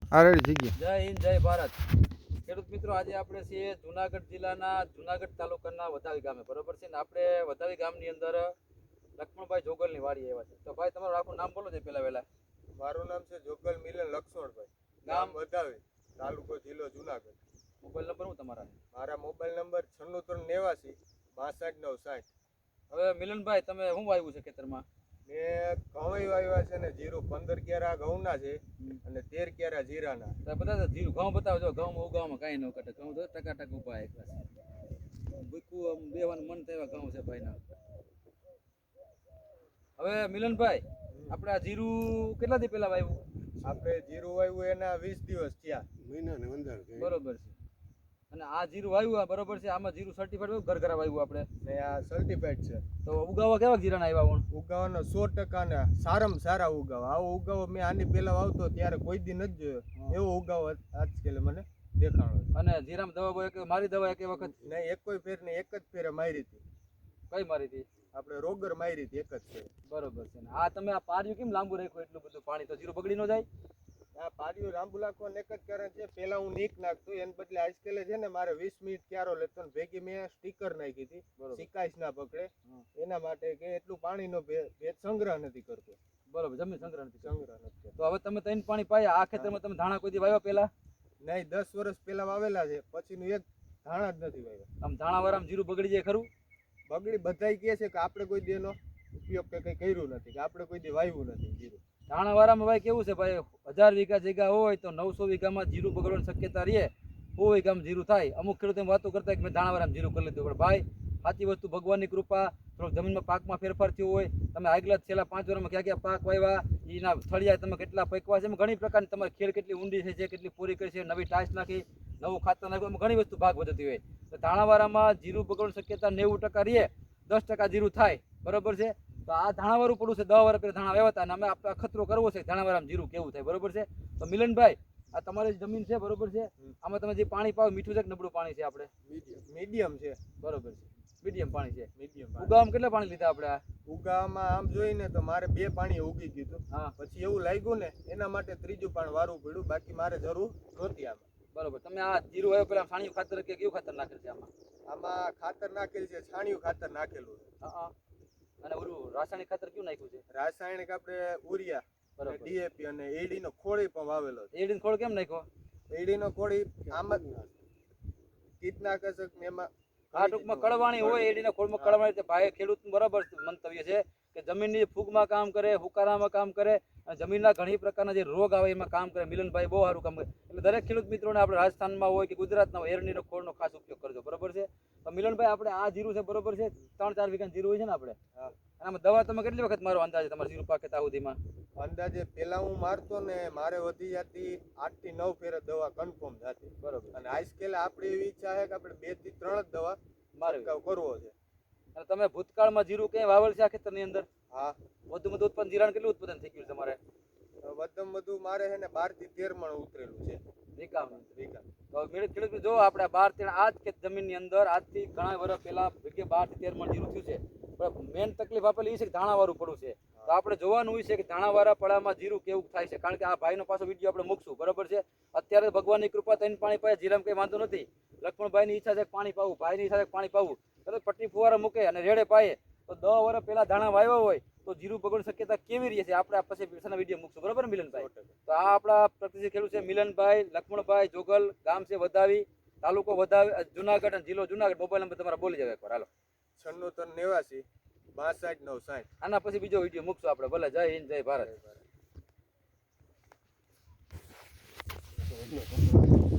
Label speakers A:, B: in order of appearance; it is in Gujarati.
A: આ રેડી થઈ ગયા.
B: જય હિન્દ જય ભારત. ખેડૂત મિત્રો, આજે આપણે છીએ જુનાગઢ જિલ્લાના જુનાગઢ તાલુકાના વધાવી ગામે, બરોબર છે ને. આપણે વધાવી ગામની અંદર લક્ષ્મણભાઈ જોગલની વાડી આવ્યા છે. તો ભાઈ, તમારું આખું નામ બોલો છે પહેલા વહેલા.
C: મારું નામ છે જોગલ મિલન લક્ષ્મણભાઈ,
B: ગામ
C: વધાવી, તાલુકો જિલ્લો જુનાગઢ.
B: મોબાઈલ નંબર શું તમારા?
C: મારા મોબાઈલ નંબર 96 89 62 960.
B: હવે મિલનભાઈ, તમે શું વાવ્યું છે ખેતરમાં?
C: મેં ઘઉં વાવ્યા છે ને જીરું 15 ક્યારા ઘઉંના છે અને 13 ક્યારા જીરાના.
B: તો બધા જીરું ઘઉં બતાવજો. ઘઉંમાં ઉગાવવામાં કાંઈ ન કટે. ઘઉં તો ટકાટક ઉભા એક ભૂકું આમ બેવાનું મન થાય એવા ઘઉં છે ભાઈના. હવે મિલનભાઈ, આપણે આ જીરું કેટલા દી પહેલા વાવ્યું?
C: આપણે જીરું વાવ્યું એના 20 દિવસ થયા,
A: મહિના ને 15
B: બરોબર છે. અને આ જીરું વાવ્યું બરોબર છે. આમાં જીરું સર્ટિફાઈડ ઘર ઘર વાવ્યું આપણે
C: ને આ સર્ટિફાઈડ છે.
B: તો ઉગાવા કેવા જીરાના આવ્યા?
C: ઉગાવાનો 100% ના સારામાં સારા ઉગાવા. આવો ઉગાવો મેં આની પહેલા વાવતો ત્યારે કોઈ દી નથી જોયો. એવો ઉગાવો આજકાલ મને દેખાણો.
B: અને જીરામાં દવા મારી દવા એક વખત
C: નહીં, એક કોઈ ફેર ને એક જ ફેરે મારી હતી.
B: કઈ મારી હતી?
C: આપણે રોગર મારી હતી, એક જ ફેર.
B: બરોબર છે. આ તમે આ પાર્યું કેમ લાંબુ રાખ્યું એટલું બધું પાણી? તો જીરું બગડી ન જાય?
C: આ પાડીઓ લાંબુ નાખવાનું એક જ કારણ છે, પેલા હું નીક નાખતો એને બદલે આજકાલ છે ને મારે 20 મિનિટ ક્યારો લેતો ને ભેગી મેં સ્ટીકર નાખી હતી, સિકાઈશ ના પકડે એના માટે, કે એટલું પાણીનો ભેજ સંગ્રહ નથી કરતો.
B: બરોબર, જમીન સંગ્રહ નથી
C: કરતો.
B: તો હવે તમે ત્રણ પાણી પાયા. આ ખેતરમાં તમે ધાણા કોઈ દી વાવ્યા પેલા?
C: નહીં, 10 વર્ષ પહેલા વાવેલા છે, પછીનું એક ધાણા જ નથી વાવ્યા.
B: આમ ધાણા વાળામાં જીરું બગડી જાય ખરું?
C: બગડી બધાય કહે છે કે આપણે કોઈ દી એનો ઉપયોગ કે કંઈ કર્યું નથી, કે આપણે કોઈ દી વાવ્યું નથી જીરું.
B: ધાણા વાળામાં ભાઈ કેવું છે ભાઈ, 1000 વીઘા જગ્યા હોય તો 900 વીઘામાં જીરું બગડવાની શક્યતા રહે. 100 વીઘામાં જીરું થાય. અમુક ખેડૂતો વાતો કરતા કે મેં ધાણા વાળામાં જીરું કરી લીધું. પણ ભાઈ, સાચી વસ્તુ ભગવાનની કૃપા, થોડોક જમીનમાં પાકમાં ફેરફાર થયો હોય. તમે આગલા છેલ્લા 5 વર્ષમાં ક્યાં ક્યાં પાક વાવ્યા, એના થળિયા તમે કેટલા પકવા છે, એમાં ઘણી પ્રકારની તમારી ખેડ કેટલી ઊંડી છે, કેટલી પૂરી કરી છે, નવી ટાઈસ નાખી, નવું ખાતર નાખ્યું, એમાં ઘણી વસ્તુ ભાગ વધતી હોય. તો ધાણાવાળામાં જીરું બગડવાની શક્યતા 90% રહે, 10% જીરું થાય. બરોબર છે. તો આ ધાણાવાળું પડું છે. 10 વર્ષ પહેલા ધાણા વાવ્યા હતા અને અમે આપણે ખતરો કરવો છે ધાણાવાળામાં જીરું કેવું થાય. બરોબર છે. તો મિલનભાઈ, આ તમારી જમીન છે, બરોબર છે. આમાં તમે જે પાણી પાવ, મીઠું છે કે નબળું પાણી છે? આપણે
C: મીડિયમ છે.
B: બરોબર છે, મીડિયમ પાણી છે.
C: મીડિયમ.
B: ઉગાવામાં કેટલા પાણી લીધા આપણે? આ
C: ઉગાવામાં આમ જોઈને તો મારે 2 પાણી ઉગી ગયું.
B: હા,
C: પછી એવું લાગ્યું ને એના માટે 3જું પાણી વારવું પડ્યું, બાકી મારે જરૂર નહોતી આમાં.
B: બરોબર. તમે આ જીરું આવ્યો પેલા છાણિયું ખાતર કે કેવું ખાતર નાખેલ છે આમાં?
C: આમાં ખાતર નાખેલ છે, છાણિયું ખાતર નાખેલું છે.
B: હા. અને ઓલું રાસાયણિક ખાતર કયું નાખ્યું છે?
C: રાસાયણિક આપણે ઉરિયા,
B: બરોબર,
C: ડીએપી અને એડી નો ખોળી પણ વાવેલો છે.
B: એડીનો ખોળ કેમ નાખ્યો?
C: એડી નો ખોળી આમાં કીટનાશક ને એમાં
B: આ ટૂંકમાં કળવાણી હોય. એડીના ખોળમાં કળવાણી. ભાઈ, ખેડૂતનું બરાબર મંતવ્ય છે કે જમીનની ફૂગમાં કામ કરે, હુકારામાં કામ કરે અને જમીનના ઘણી પ્રકારના જે રોગ આવે એમાં કામ કરે. મિલનભાઈ બહુ સારું કામ કરે. એટલે દરેક ખેડૂત મિત્રોને આપણે રાજસ્થાનમાં હોય કે ગુજરાતના હોય, એરંડીનો ખોળનો ખાસ ઉપયોગ કરજો. બરોબર છે. તો મિલનભાઈ, આપણે આ જીરું છે, બરોબર છે, 3-4 વીઘા જીરું હોય છે ને આપણે? અને આમાં દવા તમે કેટલી વખત મારો અંદાજે તમારે જીરું પાકે ત્યાં સુધીમાં?
C: અંદાજે પેલા હું મારતો ને મારે વધી જતી 8 થી 9 ફેર દવા કન્ફર્મ થતી.
B: બરોબર.
C: અને આજકાલ આપણી એવી ઈચ્છા છે કે આપણે 2 થી 3 જ દવા
B: મારવી
C: કરવો છે.
B: અને તમે ભૂતકાળમાં જીરું ક્યાંય વાવેલ છે આ ખેતરની અંદર?
C: હા.
B: વધુ ઉત્પાદન જીરાનું કેટલું ઉત્પાદન થઈ ગયું તમારે?
C: વધુમાં વધુ મારે છે ને 12 થી 13 મણ ઉતરેલું છે.
B: તો ખેડૂત જો આપણે 12-13 આ જ જમીનની અંદર આજથી ઘણા વર્ષ પહેલા 12 થી 13 મણ જીરું થયું છે. પણ મેન તકલીફ આપેલી એ છે કે ધાણાવાળું પડું છે. તો આપણે જોવાનું હોય છે કે ધાણાવાળા પડામાં જીરું કેવું થાય છે. કારણ કે આ ભાઈનો પાછો વિડીયો આપણે મૂકશું. બરોબર છે. અત્યારે ભગવાનની કૃપા થઈને પાણી પાય, જીરામાં કંઈ વાંધો નથી. લક્ષ્મણભાઈની ઈચ્છા છે પાણી પાવું, ભાઈની ઈચ્છા છે પાણી પાવું. તો પટ્ટી ફુવારા મૂકે અને રેડે પાયે તો 10 વર્ષ પહેલા ધાણા વાવ્યા હોય તો જીરું બગડવાની શક્યતા કેવી રહી છે આપણે પછી પછીના વિડીયો મૂકશું. બરોબર ને મિલનભાઈ? તો આ આપણા પ્રતિનિધિ ખેડૂત છે મિલનભાઈ લક્ષ્મણભાઈ જોગલ, ગામ છે વધાવી, તાલુકો વધાવી, જુનાગઢ અને જિલ્લો જુનાગઢ. મોબાઈલ નંબર તમારા બોલી જાવ એકવાર. હાલો.
C: 96 89 62 960.
B: આના પછી બીજો વિડીયો મૂકશું આપણે. ભલે. જય હિન્દ જય ભારત.